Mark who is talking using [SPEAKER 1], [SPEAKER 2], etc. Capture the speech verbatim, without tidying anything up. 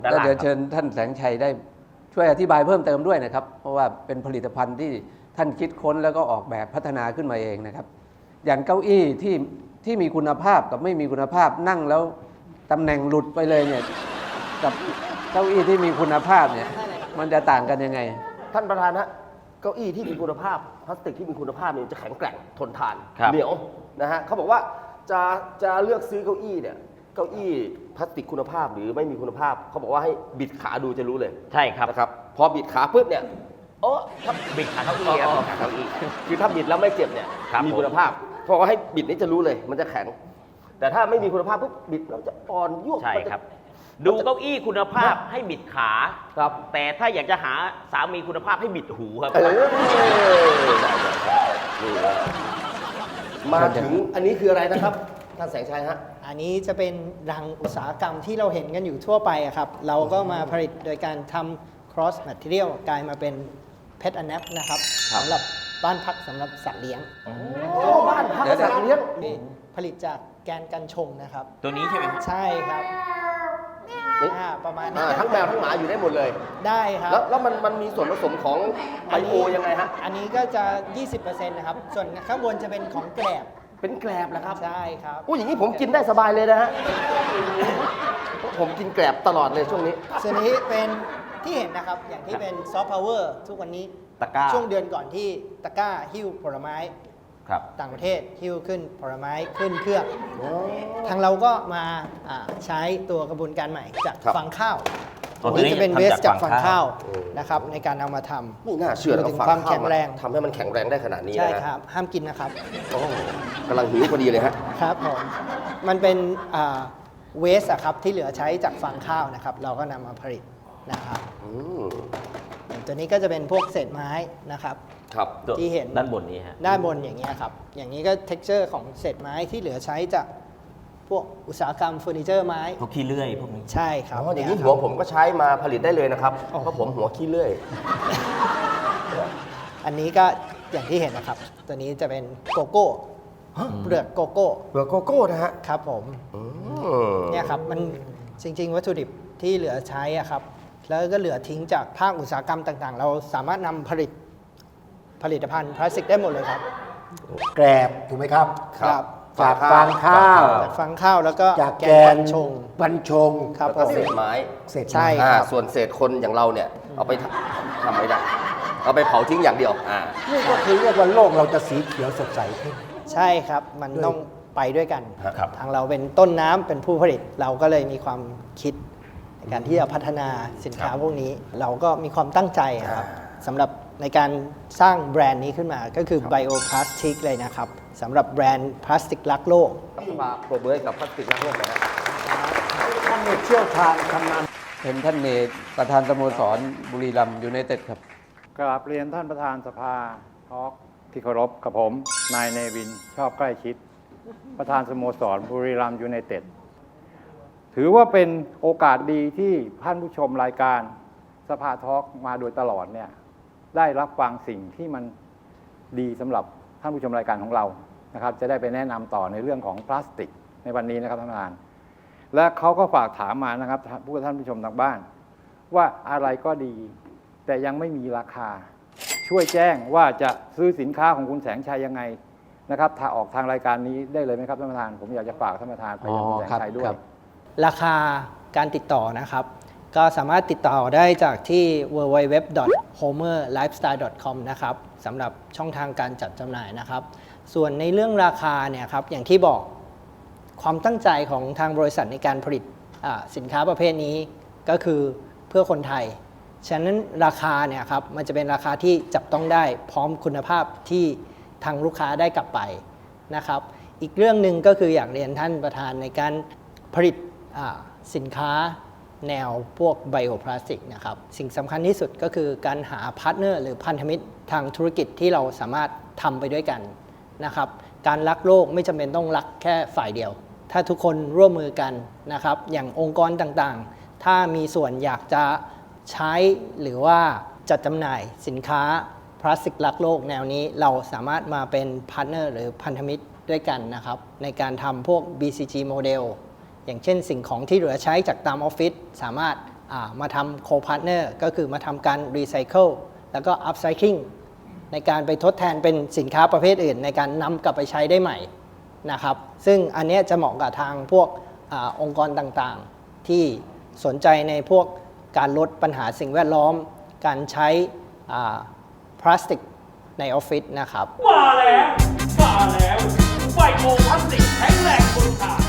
[SPEAKER 1] แล้วเดี๋ยวเชิญท่านแสงชัยได้ช่วยอธิบายเพิ่มเติมด้วยนะครับเพราะว่าเป็นผลิตภัณฑ์ที่ท่านคิดค้นแล้วก็ออกแบบพัฒนาขึ้นมาเองนะครับอย่างเก้าอี้ที่ที่มีคุณภาพกับไม่มีคุณภาพนั่งแล้วตำแหน่งหลุดไปเลยเนี่ยกับเก้าอี้ที่มีคุณภาพเนี่ยมันจะต่างกันยังไง
[SPEAKER 2] ท่านประธานฮะเก้าอี้ที่มีคุณภาพพลาสติกที่มีคุณภาพเนี่ยจะแข็งแกร่งทนทานเหนียวนะฮะเขาบอกว่าจะจะเลือกซื้อเก้าอี้เนี่ยเก้าอี้พลาสติกคุณภาพหรือไม่มีคุณภาพเขาบอกว่าให้บิดขาดูจะรู้เลย
[SPEAKER 3] ใช่ครับ
[SPEAKER 2] นะครับพอบิดขาปุ๊บเนี่ยโอ้
[SPEAKER 3] ถ้าบิดขาเก้าอี้ครับบิดขาเก้าอี้
[SPEAKER 2] คือถ้าบิดแล้วไม่เจ็บเนี่ยมีคุณภาพเพราะว่าให้บิดนี่จะรู้เลยมันจะแข็งแต่ถ้าไม่มีคุณภาพปุ๊บบิดแล้วจะอ่อนยวบ
[SPEAKER 3] ใช่ครับดูเก้าอี้คุณภาพให้บิดขา
[SPEAKER 2] ครับ
[SPEAKER 3] แต่ถ้าอยากจะหาสามีคุณภาพให้บิดหูครับ
[SPEAKER 2] มาถึงอันนี้คืออะไรนะครับท่านแสงชัยฮะ
[SPEAKER 4] อันนี้จะเป็นรังอุตสาหกรรมที่เราเห็นกันอยู่ทั่วไปครับเราก็มาผลิตโดยการทำ cross material กลายมาเป็น pet a nap นะครับสำหรับบ้านพักสำหรับสัตว์เลี้ยง
[SPEAKER 2] บ้านพักสัตว์เลี้ยง
[SPEAKER 4] ผลิตจากแกนกันชงนะครับ
[SPEAKER 3] ตัวนี้ใช่ไหม
[SPEAKER 4] ใช่ครับประมาณนี้
[SPEAKER 2] ทั้งแมวทั้งหมาอยู่ได้หมดเลย
[SPEAKER 4] ได้ครับ
[SPEAKER 2] แล้วแล้วมันมันมีส่วนผสมของไบโอยังไงฮะ
[SPEAKER 4] อันนี้ก็จะ ยี่สิบเปอร์เซ็นต์ นะครับส่วนข้างบนจะเป็นของแกลบ
[SPEAKER 2] เป็นแกลบนะครับ
[SPEAKER 4] ใช่ครับ
[SPEAKER 2] อู้อย่างนี้ผมกินได้สบายเลยนะฮะผมกินแกลบตลอดเลยช่วงนี้
[SPEAKER 4] ส่วนนี้เป็นที่เห็นนะครับอย่างที่เป็นซอฟต์พาวเวอร์ทุกวันนี้
[SPEAKER 3] ตะกร้า
[SPEAKER 4] ช่วงเดือนก่อนที่ตะกร้าหิ้วผลไม้ต่างประเทศหิ้วขึ้นผลไม้ขึ้นเครื่องทางเราก็มาใช้ตัวกระบวนการใหม่จากฟางข้าวตัวนี้จะเป็นเบสจากฟางข้าวนะครับในการเอามาทำ
[SPEAKER 2] ไม่น่าเชื่อ
[SPEAKER 4] ถึงความแข็งแรง
[SPEAKER 2] ทำให้มันแข็งแรงได้ขนาดนี้
[SPEAKER 4] ใช่ครับห้ามกินนะครับ
[SPEAKER 2] กำลังหิวพอดีเลยฮะ
[SPEAKER 4] ครับผมมันเป็นเวสอะครับที่เหลือใช้จากฟางข้าวนะครับเราก็นำมาผลิตนะครับตัวนี้ก็จะเป็นพวกเศษไม้นะครับที่เห็น
[SPEAKER 3] ด้านบนนี้ฮะ
[SPEAKER 4] ด้านบนอย่างนี้ครับอย่างนี้ก็ texture ของเศษไม้ที่เหลือใช้จากพวกอุตสาหกรรมเฟอร์นิเจอร์ไม้
[SPEAKER 3] พวกขี้เลื่อยพวกนี้
[SPEAKER 4] ใช่ครับ
[SPEAKER 2] อย่างนี้หัวผมก็ใช้มาผลิตได้เลยนะครับเพราะผมหัวขี้เลื่อย
[SPEAKER 4] อันนี้ก็อย่างที่เห็นนะครับตัวนี้จะเป็นโกโก้เปลือกโกโก้
[SPEAKER 2] เปลือกโกโก้นะฮะ
[SPEAKER 4] ครับผมเนี่ยครับมันจริงๆวัตถุดิบที่เหลือใช้อะครับแล้วก็เหลือทิ้งจากภาคอุตสาหกรรมต่างๆเราสามารถนำผลิตผลิตภัณฑ์พลาสติกได้หมดเลยครับ
[SPEAKER 5] แกลบถูกไหมครับ
[SPEAKER 4] ครับ
[SPEAKER 5] จากฟางข้าว
[SPEAKER 4] จากฟางข้าวแล้วก็
[SPEAKER 5] จากแกนชงบรรชง
[SPEAKER 2] ครับเศษไม้
[SPEAKER 5] เศษ
[SPEAKER 4] ใช่ครับ
[SPEAKER 2] ส่วนเศษคนอย่างเราเนี่ยเอาไปทำไม่ได้เอาไปเผาทิ้งอย่างเดียวอ่า
[SPEAKER 5] นี่ก็คือเรียกว่าโลกเราจะสีเขียวสดใสขึ้น
[SPEAKER 4] ใช่ครับมันต้องไปด้วยกันทางเราเป็นต้นน้ำเป็นผู้ผลิตเราก็เลยมีความคิดในการที่จะพัฒนาสินค้าพวกนี้เราก็มีความตั้งใจครับสำหรับในการสร้างแบรนด์นี้ขึ้นมาก็คือ Bioplastic เลยนะครับสำหรับแบรนด์พลาสติกรักโลก
[SPEAKER 2] มาโปรเบิร์ตกับพลาสติกรักโลกนะครับ
[SPEAKER 5] ท่านเชี่ยวชาญทำงาน
[SPEAKER 1] เป็นท่านเนตประธานสโมสรบุรีรัมย์ยูไนเต็ดครับ
[SPEAKER 6] กราบเรียนท่านประธานสภาทอล์กที่เคารพกับผมนายเนวินชอบใกล้ชิดประธานสโมสรบุรีรัมย์ยูไนเต็ดถือว่าเป็นโอกาสดีที่ท่านผู้ชมรายการสภาทอล์กมาโดยตลอดเนี่ยได้รับฟังสิ่งที่มันดีสำหรับท่านผู้ชมรายการของเรานะครับจะได้ไปแนะนำต่อในเรื่องของพลาสติกในวันนี้นะครับท่านประธานและเขาก็ฝากถามมานะครับผู้ท่านผู้ชมทางบ้านว่าอะไรก็ดีแต่ยังไม่มีราคาช่วยแจ้งว่าจะซื้อสินค้าของคุณแสงชัยยังไงนะครับถ้าออกทางรายการนี้ได้เลยไหมครับท่านประธานผมอยากจะฝากท่านประธานไปยังคุณแสงชัยด้วย
[SPEAKER 4] ราคาการติดต่อนะครับก็สามารถติดต่อได้จากที่ ดับเบิลยู ดับเบิลยู ดับเบิลยู ดอท โฮเมอร์ไลฟ์สไตล์ ดอท คอม นะครับสำหรับช่องทางการจัดจำหน่ายนะครับส่วนในเรื่องราคาเนี่ยครับอย่างที่บอกความตั้งใจของทางบริษัทในการผลิตสินค้าประเภทนี้ก็คือเพื่อคนไทยฉะนั้นราคาเนี่ยครับมันจะเป็นราคาที่จับต้องได้พร้อมคุณภาพที่ทางลูกค้าได้กลับไปนะครับอีกเรื่องหนึ่งก็คืออยากเรียนท่านประธานในการผลิตสินค้าแนวพวกไบโอพลาสติกนะครับสิ่งสำคัญที่สุดก็คือการหาพาร์ทเนอร์หรือพันธมิตรทางธุรกิจที่เราสามารถทำไปด้วยกันนะครับการรักโลกไม่จำเป็นต้องรักแค่ฝ่ายเดียวถ้าทุกคนร่วมมือกันนะครับอย่างองค์กรต่างๆถ้ามีส่วนอยากจะใช้หรือว่าจัดจำหน่ายสินค้าพลาสติกรักโลกแนวนี้เราสามารถมาเป็นพาร์ทเนอร์หรือพันธมิตรด้วยกันนะครับในการทำพวก บี ซี จี โมเดลอย่างเช่นสิ่งของที่เหลือใช้จากตามออฟฟิศสามารถอ่ามาทำโคพาร์ทเนอร์ก็คือมาทำการรีไซเคิลแล้วก็อัพไซคลิงในการไปทดแทนเป็นสินค้าประเภทอื่นในการนำกลับไปใช้ได้ใหม่นะครับซึ่งอันเนี้ยจะเหมาะกับทางพวกอาองค์กรต่างๆ ที่สนใจในพวกการลดปัญหาสิ่งแวดล้อม การใช้พลาสติกในออฟฟิศนะครับ
[SPEAKER 7] มาแล้ว มาแล้วไบโอพลาสติกแข็งแรงทนทาน